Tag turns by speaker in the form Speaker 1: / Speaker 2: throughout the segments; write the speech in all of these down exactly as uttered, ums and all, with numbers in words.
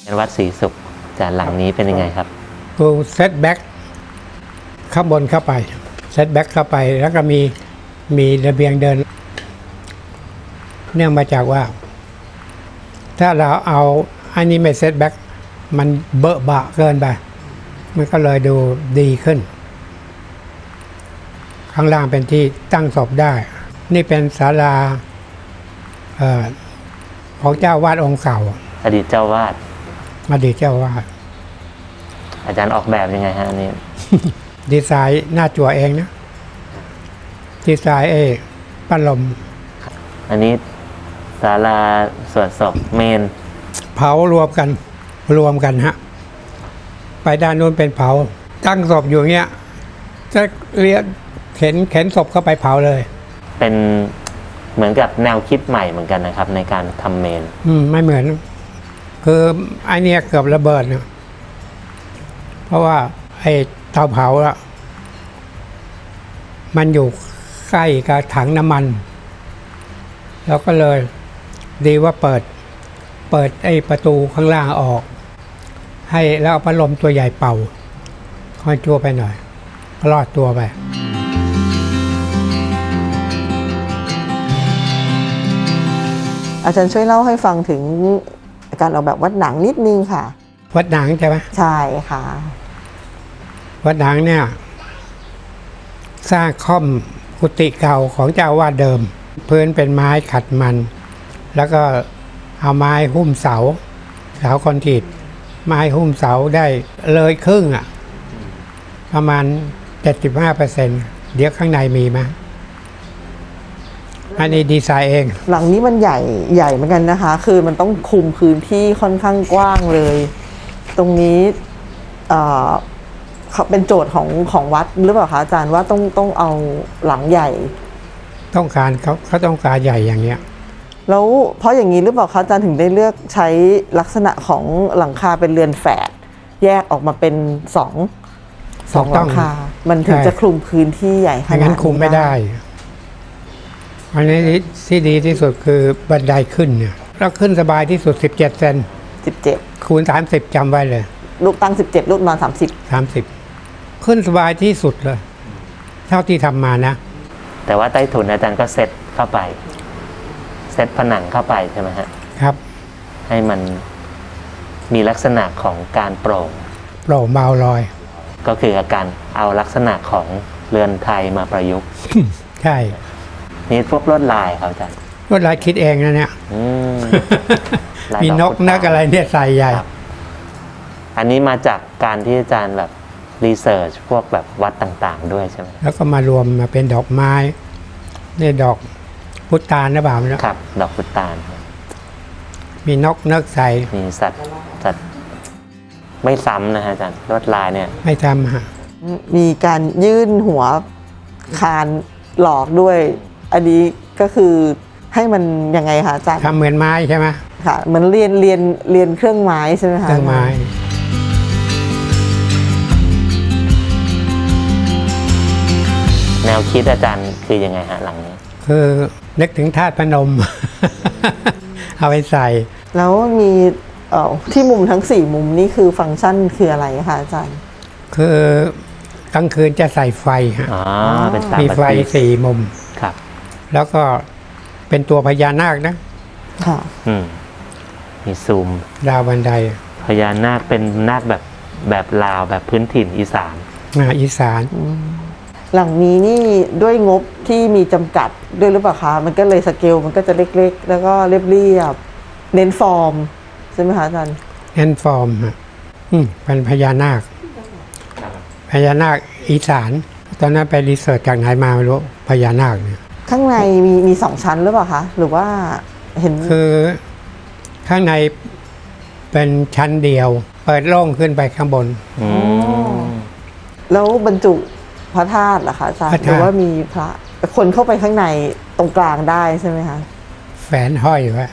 Speaker 1: วัดศรีสุขจากหลังนี้เป็นยังไงครับ
Speaker 2: คือเซตแบ็กข้างบนเข้าไปเซตแบ็กเข้าไปแล้วก็มีมีระเบียงเดินเนื่องมาจากว่า ถ้าเราเอาอันนี้ไม่เซตแบ็กมันเบอะบะเกินไปมันก็เลยดูดีขึ้น ข้างล่างเป็นที่ตั้งศพได้ นี่เป็นศาลาเอ่อของเจ้าวาดองค์เก่า
Speaker 1: อดีตเจ้าวาด
Speaker 2: อดีตเจ้าวาด
Speaker 1: อาจารย์ออกแบบยังไงฮะอันนี้
Speaker 2: ดีไซน์หน้าจั่วเองนะดีไซน์เอปั้นลม
Speaker 1: อันนี้ศาลาสวดศพเมน
Speaker 2: เผารวมกันรวมกันฮะไปด้านนู้นเป็นเผาตั้งศพอยู่เงี้ยจะเรียกเข็นเข็นศพเข้าไปเผาเลย
Speaker 1: เป็นเหมือนกับแนวคิดใหม่เหมือนกันนะครับ ในการทำเมน
Speaker 2: อืมไม่เหมือนคือไอเนี้ยเกือบระเบิดนะเพราะว่าไอเตาเผาอะมันอยู่ใกล้กับถังน้ำมันแล้วก็เลยดีว่าเปิดเปิดไอประตูข้างล่างออกให้แล้วเอาพัดลมตัวใหญ่เป่าค่อยจั่วไปหน่อยรอดตัวไป
Speaker 3: อาจารย์ช่วยเล่าให้ฟังถึงการออกแบบวัดหนังนิดนึงค่ะ
Speaker 2: วัดหนังใช่ไหม
Speaker 3: ใช่ค่ะ
Speaker 2: วัดหนังเนี่ยสร้างค่อมกุฏิเก่าของเจ้าวาดเดิมพื้นเป็นไม้ขัดมันแล้วก็เอาไม้หุ้มเสาเสาคอนกรีตไม้หุ้มเสาได้เลยครึ่งอ่ะประมาณ เจ็ดสิบห้าเปอร์เซ็นต์ เดี๋ยวข้างในมีไหมอันนี้ดีไซน์เอง
Speaker 3: หลังนี้มันใหญ่ใหญ่เหมือนกันนะคะคือมันต้องคุมพื้นที่ค่อนข้างกว้างเลยตรงนี้เอ่อเป็นโจทย์ของของวัดหรือเปล่าคะอาจารย์ว่าต้องต้องเอาหลังใหญ่
Speaker 2: ต้องการเขาเขาต้องการใหญ่อย่างเนี้ย
Speaker 3: แล้วเพราะอย่างนี้หรือเปล่าคะอาจารย์ถึงได้เลือกใช้ลักษณะของหลังคาเป็นเรือนแฝดแยกออกมาเป็นสองสองหลังคามันถึงจะคลุมพื้นที่ใหญ่ขนาดนี้
Speaker 2: งั้นคุมไม่ได้อันนี้ที่ดีที่สุดคือบันไดขึ้นเนี่ยแล้วขึ้นสบายที่สุดสิบเจ็ดเซน
Speaker 3: สิบเจ็ด
Speaker 2: คูณสามสิบจำไว้เลย
Speaker 3: ลูกตั้งสิบเจ็ดลูกนอนสามสิบ
Speaker 2: สามสิบขึ้นสบายที่สุดเลยเท่าที่ทำมานะ
Speaker 1: แต่ว่าใต้ถุนอาจารย์ก็เซตเข้าไปเซตผนังเข้าไปใช่ไหมฮะ
Speaker 2: ครับ
Speaker 1: ให้มันมีลักษณะของการโปร่ง
Speaker 2: โปร่งเบาลอย
Speaker 1: ก็คืออาการเอาลักษณะของเรือนไทยมาประยุกต์
Speaker 2: ใช่
Speaker 1: นี่พวกลวดลายครับอาจารย์
Speaker 2: ลวดลายคิดเองนะเนี่ย มีนกนักอะไรเนี่ยใส่ใหญ่
Speaker 1: อันนี้มาจากการที่อาจารย์แบบรีเสิร์ชพวกแบบวัดต่างๆด้วยใช่ไหม
Speaker 2: แล้วก็มารวมมาเป็นดอกไม้นี่ดอกพุตานนะบ่าว
Speaker 1: นะครับดอกพุตาน
Speaker 2: มีนกนักใส่
Speaker 1: มีสัตว์สัตว์ไม่ซ้ำนะฮะอาจารย์ลวดลายเนี่ย
Speaker 2: ไม่ซ้ำฮะ
Speaker 3: มีการยื่นหัวคานหลอกด้วยอันนี้ก็คือให้มันยังไงคะอาจารย์
Speaker 2: ทำเหมือนไม้ใช่ไหม
Speaker 3: ค่ะเหมือนเรียนเรียนเรียนเครื่องไม้ใช่ไหมคะ
Speaker 2: เครื่องไม้
Speaker 1: แนวคิดอาจารย์คือยังไงฮะหลังนี้
Speaker 2: คือนึกถึงธาตุพนม เอาไปใส่
Speaker 3: แล้วมีที่มุมทั้งสี่มุมนี่คือฟังก์ชันคืออะไรคะอาจารย์
Speaker 2: คือกลางคืนจะใส่ไฟฮะมีไฟสี่มุม
Speaker 1: ครับ
Speaker 2: แล้วก็เป็นตัวพญานาคนะ
Speaker 3: ค่ะ
Speaker 1: อืมมีซูม
Speaker 2: ดาวบันได
Speaker 1: พญานาคเป็นนาคแบบแบบลาวแบบพื้นถิ่นอีสาน
Speaker 2: อ่าอีสาน
Speaker 3: หลังนี้นี่ด้วยงบที่มีจำกัดด้วยหรือเปล่าคะมันก็เลยสเกลมันก็จะเล็กๆแล้วก็เรียบๆเน้นฟอร์มใช่ไหมคะอาจารย์
Speaker 2: เน้นฟอร์มฮะอืมเป็นพญานาคพญานาคอีสานตอนนั้นไปรีเสิร์ชจากไหนมาไม่รู้พญานาคเนี่ย
Speaker 3: ข้างในมีมีสองชั้นหรือเปล่าคะหรือว่าเห็น
Speaker 2: คือข้างในเป็นชั้นเดียวเปิดโล่งขึ้นไปข้างบน
Speaker 3: แล้วบรรจุพระธาตุเหรอคะอาจารย์หรือว่ามีพระคนเข้าไปข้างในตรงกลางได้ใช่ไหมคะ
Speaker 2: แฝนห้อยไว้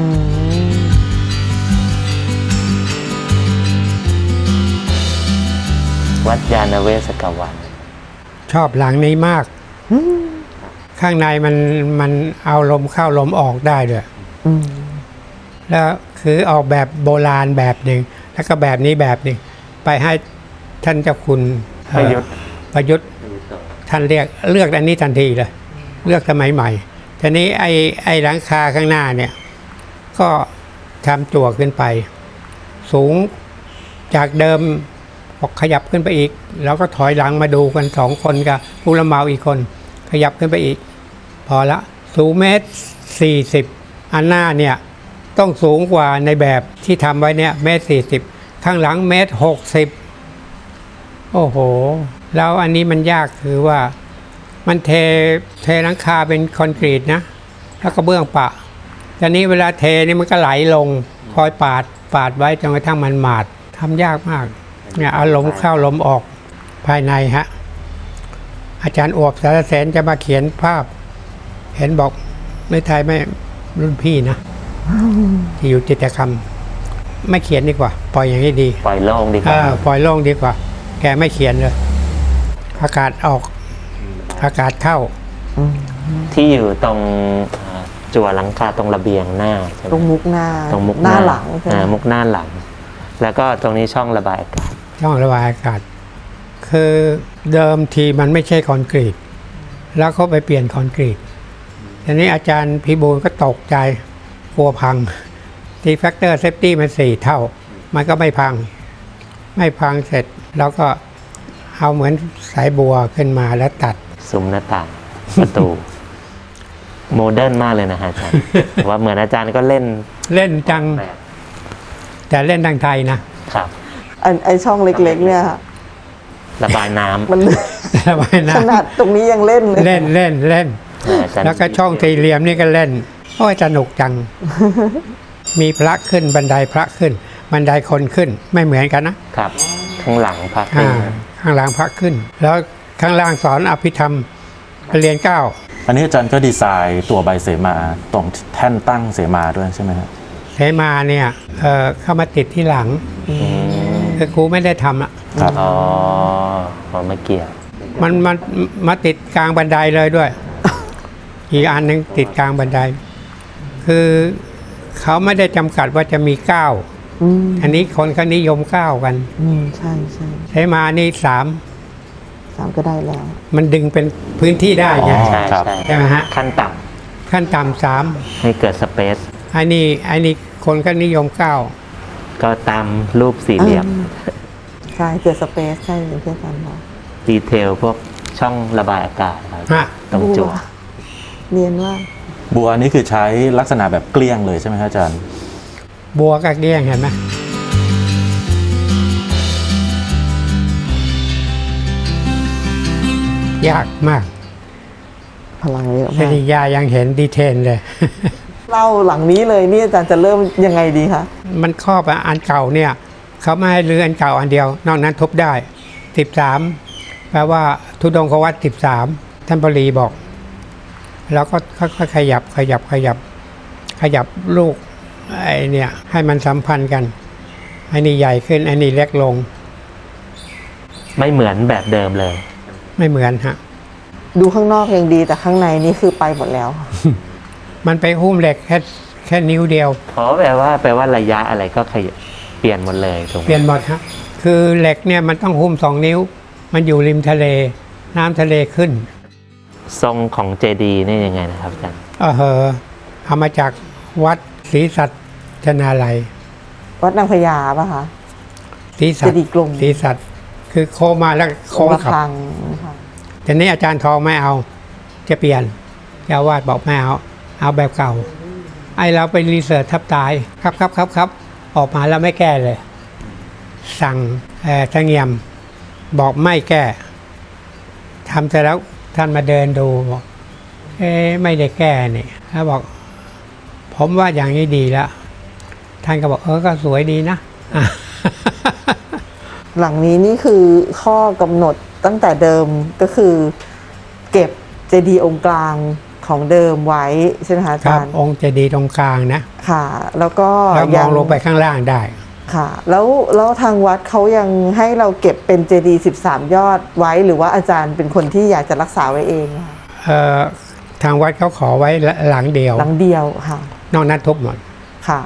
Speaker 1: วัดยานเวศกวัน
Speaker 2: ชอบหลังนี้มากข้างในมันมันเอาลมเข้าลมออกได้ด้วยแล้วคือออกแบบโบราณแบบหนึ่งแล้วก็แบบนี้แบบหนึ่งไปให้ท่านเจ้าคุณเอ่อ
Speaker 1: ประยุทธ์
Speaker 2: ประยุทธ์ท่านเรียกเลือกอันนี้ทันทีเลยเลือกสมัยใหม่ทีนี้ไอ้ไอ้หลังคาข้างหน้าเนี่ยก็ทำจั่วขึ้นไป สูงจากเดิมบอกขยับขึ้นไปอีก แล้วก็ถอยหลังมาดูกันสองคนกับผู้รับเหมาอีกคนขยับขึ้นไปอีก พอละสูงเมตรสี่สิบอันหน้าเนี่ยต้องสูงกว่าในแบบที่ทำไว้เนี่ยเมตรสี่สิบข้างหลังเมตรหกสิบโอ้โหแล้วอันนี้มันยากคือว่ามันเทเทหลังคาเป็นคอนกรีตนะแล้วก็เบื้องปะทีนี้เวลาเทนี่มันก็ไหลลงคอยปาดปาดไว้จนกระทั่งมันหมาดทำยากมากเนี่ยเอาลมเข้าลมออกภายในฮะอาจารย์อวบสารแสนจะมาเขียนภาพเห็นบอกในไทยไม่รุ่นพี่นะที่อยู่จิตรกรรมไม่เขียนดีกว่าปล่อยอย่างนี้ดี
Speaker 1: ปล่อยโล่งดีก
Speaker 2: เอ
Speaker 1: ว่า
Speaker 2: อปล่อยโล่งดีกว่า แกไม่เขียนเลยอากาศออกอากาศเข้า
Speaker 1: ที่อยู่ตรงเอ่อจั่วหลังคาตรงระเบียงหน้าใช่ไหม
Speaker 3: ตรงมุกหน้า
Speaker 1: ตรงมุก
Speaker 3: หน้าหลังใช่ไหม
Speaker 1: อ่ามุกหน้าหลัง แล้วก็ตรงนี้ช่องระบายอากาศ
Speaker 2: ช่องระบายอากาศ คือเดิมทีมันไม่ใช่คอนกรีต แล้วเขาไปเปลี่ยนคอนกรีตทีนี้อาจารย์พิบูลก็ตกใจกลัวพังทีแฟกเตอร์เซฟตี้มันสี่เท่า มันก็ไม่พัง ไม่พังเสร็จแล้วก็เอาเหมือนสายบัวขึ้นมาแล้วตัด
Speaker 1: ซุ้มหน้าต่างประตู โมเดิร์นมากเลยนะฮะอาจารย์ ว่าเหมือนอาจารย์ก็เล่น
Speaker 2: เล่นจัง
Speaker 1: แบบ
Speaker 2: แต่เล่นทางไทยนะ
Speaker 1: ครับ
Speaker 3: อันไอช่องเล็กๆเนี่ยค่ะ
Speaker 1: ระบายน้ำ
Speaker 3: มัน
Speaker 2: ระบายน้
Speaker 3: ขนาดตรงนี้ยังเล่นเลย
Speaker 2: ำเล่นเล่นเล่น
Speaker 1: อาจารย์
Speaker 2: แล้วก็ช่องสี่เหลี่ยมนี่ก็เล่นโอ้ยสนุกจัง มีพระขึ้นบันไดพระขึ้น บันไดคนขึ้นไม่เหมือนกันนะครับ
Speaker 1: ข้างหลังพัก
Speaker 2: อ่าข้างหลังพระขึ้น แล้วข้างล่างสอนอภิธรรมเรียนเก้า
Speaker 4: อันนี้อาจารย์ก็ดีไซน์ตัวใบเสมาตรงแท่นตั้งเสมาด้วยใช่ไหมครับ
Speaker 2: เสมาเนี่ยเอ่อเข้ามาติดที่หลัง
Speaker 1: อืม
Speaker 2: คือครูไม่ได้ทำอ่ะ
Speaker 4: ครับ
Speaker 1: อ๋ออ๋อไม่เกี่ยว
Speaker 2: มันมันมาติดกลางบันไดเลยด้วย อีกอันหนึ่งติดกลางบันได คือเขาไม่ได้จำกัดว่าจะมีเก้า
Speaker 3: อืม
Speaker 2: อันนี้คนเขานิยมเก้ากัน
Speaker 3: อืมใช่ใช่
Speaker 2: เสมานี่สาม
Speaker 3: สามก็ได้แล้ว
Speaker 2: มันดึงเป็นพื้นที่ได้ไง
Speaker 4: อ๋อ
Speaker 1: ใช่
Speaker 4: ครับ
Speaker 1: ใช่
Speaker 2: ใช่ไหมฮะ
Speaker 1: ขั้นต่
Speaker 2: ขั้นต่ำสาม
Speaker 1: ำให้เกิดสเปซ
Speaker 2: อันนี้อันนี้คนก็นิยมเก้า
Speaker 1: ก็ตามรูปสี่เหลี่ยม
Speaker 3: ใช่เกิดสเปซใช่อย่างที่อาจารย์บอก
Speaker 1: ดีเทลพวกช่องระบายอากาศครับ
Speaker 2: ฮะ
Speaker 1: ตรงจั่ว
Speaker 3: เนียนว่า
Speaker 4: บัวอันนี้คือใช้ลักษณะแบบเกลี้ยงเลยใช่ไหมครับอาจารย์
Speaker 2: บัวกระเกี้ยงเห็นไหมยากมาก
Speaker 3: พลังเยอะ
Speaker 2: ป
Speaker 3: มาก
Speaker 2: ริยายังเห็นดีเทลเลย
Speaker 3: เล่าหลังนี้เลยนี่อาจารย์จะเริ่มยังไงดีคะ
Speaker 2: มันครอบอันเก่าเนี่ย เขาไม่ให้รื้ออันเก่าอันเดียว นอกนั้นทุบได้สิบสามแปลว่าทุดงควัตสิบสามท่านปรีบอก แล้วก็ค่อยๆขยับขยับขยับ ขยับลูกไอ้เนี่ย ให้มันสัมพันธ์กันไอ้นี่ใหญ่ขึ้นไอ้นี่เล็กลง
Speaker 1: ไม่เหมือนแบบเดิมเลย
Speaker 2: ไม่เหมือนฮะ
Speaker 3: ดูข้างนอกยังดีแต่ข้างในนี่คือไปหมดแล้ว
Speaker 2: มันไปหุ้มเหล็กแค่แค่นิ้วเดียว
Speaker 1: เพราะแปลว่าแปลว่าระยะอะไรก็ขยเปลี่ยนหมดเลยถูกไหม
Speaker 2: เปลี่ยนหมดครับคือเหล็กเนี่ยมันต้องหุ้มสองนิ้ว มันอยู่ริมทะเล น้ำทะเลขึ้น
Speaker 1: ทรงของเจดีย์นี่ยังไงนะครับอาจารย์
Speaker 2: เออเหอะเอามาจากวัดศรีสัชนาลัย
Speaker 3: วัดนางพญาป่ะคะ
Speaker 2: ศรีสัต
Speaker 3: เจดีย์กลม
Speaker 2: ศรีสัตคือโค้งมาแล้วโค้ง
Speaker 3: ระ
Speaker 2: กลับ
Speaker 3: ฆังนะคะ
Speaker 2: แต่นี้อาจารย์ทองไม่เอา จะเปลี่ยนเจ้าวาดบอกไม่เอา เอาแบบเก่า ไอเราไปรีเสิร์ชทับตาย ครับครับครับครับออกมาแล้วไม่แก้เลย สั่งเอ่อทางเงียม บอกไม่แก้ทำเสร็จแล้วท่านมาเดินดูบอกเอ๊ะไม่ได้แก้นี่แล้วบอก ผมว่าอย่างนี้ดีแล้ว ท่านก็บอกเออก็สวยดีนะอ่ะ
Speaker 3: หลังนี้นี่คือข้อกำหนดตั้งแต่เดิมก็คือ เก็บเจดีย์องค์กลางของเดิมไว้ใช่ไหมคะอา
Speaker 2: ครั
Speaker 3: จา
Speaker 2: บ
Speaker 3: รย์
Speaker 2: องค์เจดีย์ตรงกลางนะ
Speaker 3: ค่ะ แล้วก็
Speaker 2: แล้วมองลงไปข้างล่างได้
Speaker 3: ค่ะ แล้วแล้วทางวัดเขายังให้เราเก็บเป็นเจดีย์สิบสามยอดไว้หรือว่าอาจารย์เป็นคนที่อยากจะรักษาไว้เองคะ
Speaker 2: เอ่อทางวัดเขาขอไว้หลังเดียว
Speaker 3: หลังเดียวค่ะ
Speaker 2: นอกนั้นทุบหมด
Speaker 3: ค่ะ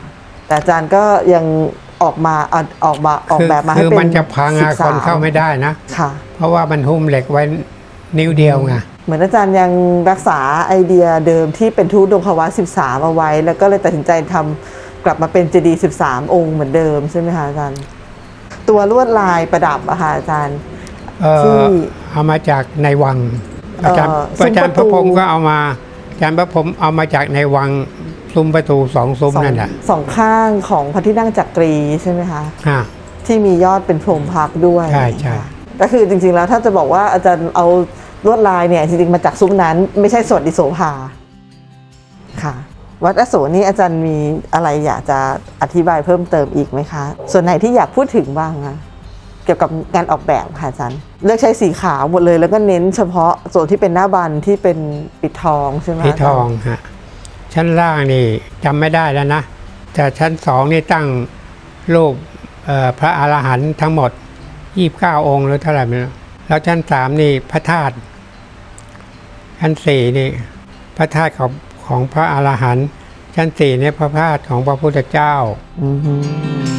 Speaker 3: แต่อาจารย์ก็ยังออกมาเอาออกมาออก
Speaker 2: คือ
Speaker 3: แบบมาให้
Speaker 2: คือ
Speaker 3: เป็น
Speaker 2: มันจะพังอะ
Speaker 3: สิบ
Speaker 2: ค
Speaker 3: สาม
Speaker 2: นเข้าไม่ได้นะ
Speaker 3: ค่ะ
Speaker 2: เพราะว่ามันหุ้มเหล็กไว้นิ้วเดียวไง
Speaker 3: เหมือนอาจารย์ยังรักษาไอเดียเดิมที่เป็นทุดงควัตสิบสามเอาไว้ แล้วก็เลยตัดสินใจทำกลับมาเป็นเจดีย์สิบสามองค์เหมือนเดิมใช่ไหมคะอาจารย์ ตัวลวดลายประดับอะค่ะอาจารย์
Speaker 2: เอ่อ
Speaker 3: ที่
Speaker 2: เอามาจากในวัง
Speaker 3: เอ่อ
Speaker 2: อาจารย์
Speaker 3: ซุ้ม
Speaker 2: อาจารย์
Speaker 3: ป
Speaker 2: พ
Speaker 3: ระ
Speaker 2: ระ
Speaker 3: ตู
Speaker 2: พรหมก็เอามาอาจารย์พระพรหมเอามาจากในวังซุ้มประตูสองซุ้ม
Speaker 3: สอง
Speaker 2: นั่นแหละ
Speaker 3: สองข้างของพระที่นั่งจักรีใช่ไหมคะ
Speaker 2: อ่า
Speaker 3: ที่มียอดเป็นพรหมพักด้วย
Speaker 2: ใช่ใช่
Speaker 3: ค่ะก็คือจริงๆแล้วถ้าจะบอกว่าอาจารย์เอาลวดลายเนี่ยจริงๆมาจากซุ้มนั้นไม่ใช่สวดดิโสภาค่ะ วัดอโศกนี่อาจารย์มีอะไรอยากจะอธิบายเพิ่มเติมอีกไหมคะ ส่วนไหนที่อยากพูดถึงบ้างคะเกี่ยวกับการออกแบบค่ะอาจารย์เลือกใช้สีขาวหมดเลยแล้วก็เน้นเฉพาะส่วนที่เป็นหน้าบันที่เป็นปิดทองใช่ไหม
Speaker 2: สี
Speaker 3: คะ
Speaker 2: ทองฮะชั้นล่างนี่จำไม่ได้แล้วนะ แต่ชั้นสองนี่ตั้งรูปเอ่อพระอรหันต์ทั้งหมดยี่สิบเก้าองค์หรือเท่าไหร่ไม่รู้แล้วชั้นสามนี่พระธาตุชั้นสี่นี่พระธาตุของของพระอรหันต์ชั้นสี่นี่พระธาตุของพระพุทธเจ้า
Speaker 3: อือฮึ